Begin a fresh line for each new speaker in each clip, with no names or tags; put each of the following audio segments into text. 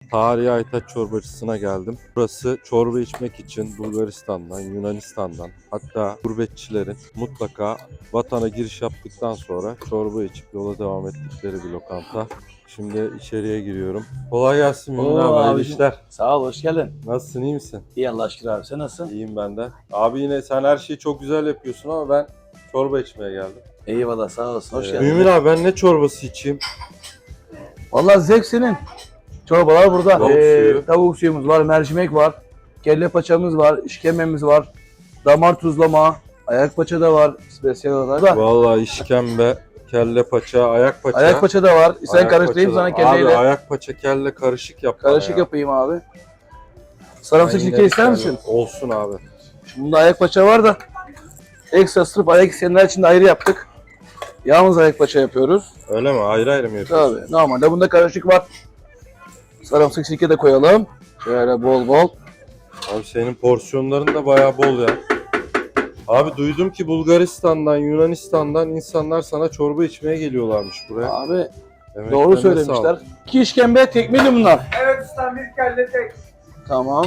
Tarihi Aytaç çorbacısına geldim. Burası çorba içmek için Bulgaristan'dan, Yunanistan'dan, hatta gurbetçilerin mutlaka vatana giriş yaptıktan sonra çorba içip yola devam ettikleri bir lokanta. Şimdi içeriye giriyorum. Kolay gelsin Mümin abi, hayırlı
abicim.
işler.
Sağ ol, hoş geldin.
Nasılsın, iyi misin?
İyi Allah aşkına abi, sen nasılsın?
İyiyim ben de. Abi yine sen her şeyi çok güzel yapıyorsun ama ben çorba içmeye geldim.
Eyvallah, sağ olasın, hoş geldin.
Mümin abi, ben ne çorbası içeyim?
Vallahi zevk senin. Çorbalar burada.
Tavuk suyu.
Tavuk suyumuz var, mercimek var, kelle paçamız var, işkembemiz var, damar tuzlama, ayak paça da var, spesiyel olarak.
Vallahi işkembe, kelle paça, ayak paça.
Ayak paça da var. Sen
Ayak
karıştırayım
paça da-
sana kelleyle.
Abi ayak paça kelle karışık yap bana
Karışık
ya.
yapayım abi. Sarımsak
Aynen
sirke ister
öyle.
misin?
Olsun abi.
Bunda ayak paça var da ekstra sırf ayak isteyenler için de ayrı yaptık. Yalnız ayak paça yapıyoruz.
Öyle mi? Ayrı ayrı mı yapıyorsun?
Tabii. Normalde bunda karışık var. Sarımsak sirke de koyalım. Şöyle bol bol.
Abi senin porsiyonların da bayağı bol ya. Abi duydum ki Bulgaristan'dan, Yunanistan'dan insanlar sana çorba içmeye geliyorlarmış buraya.
Abi
Emeklerine
doğru
sağlık.
söylemişler. 2 işkembe tek miydi bunlar?
Evet ustam, bir kelle tek.
Tamam.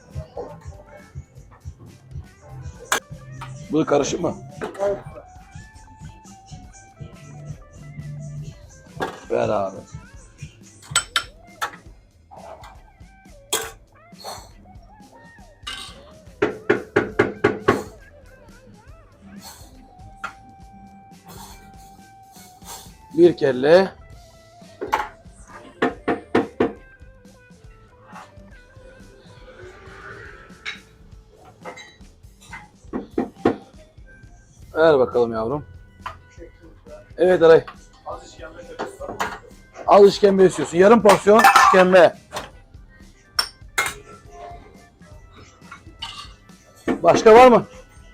Bu karışık mı? Ver abi. Bir kelle. Ver bakalım yavrum. Evet Aray. Az işkembe istiyorsun. Yarım porsiyon işkembe. Başka var mı?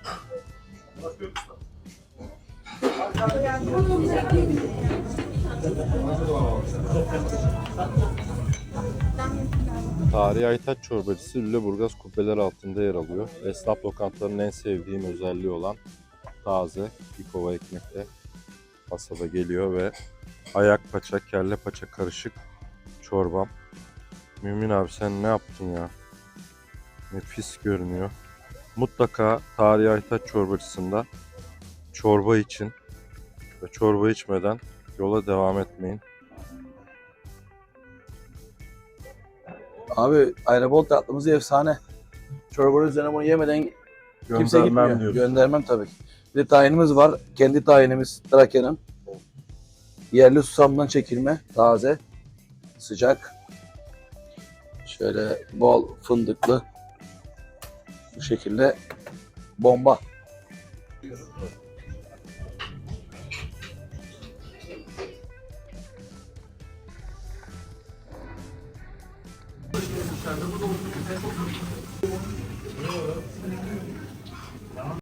Tarihi Aytaç çorbacısı Lüleburgaz kubbeler altında yer alıyor. Esnaf lokantalarının en sevdiğim özelliği olan taze bir kova ekmekle masada geliyor ve ayak paça, kelle paça karışık çorbam. Mümin abi sen ne yaptın ya? Nefis görünüyor. Mutlaka Tarihi Aytaç çorbacısında çorba için ve çorba içmeden yola devam etmeyin.
Abi ayrabol tatlımız efsane. Çorbanın üzerine bunu yemeden kimse gitmiyor.
diyorsun.
Göndermem tabii ki. Bir de tayinimiz var. Kendi tayinimiz Trakya'nın. Yerli susamdan çekilme. Taze. Sıcak. Şöyle bol fındıklı. Bu şekilde bomba.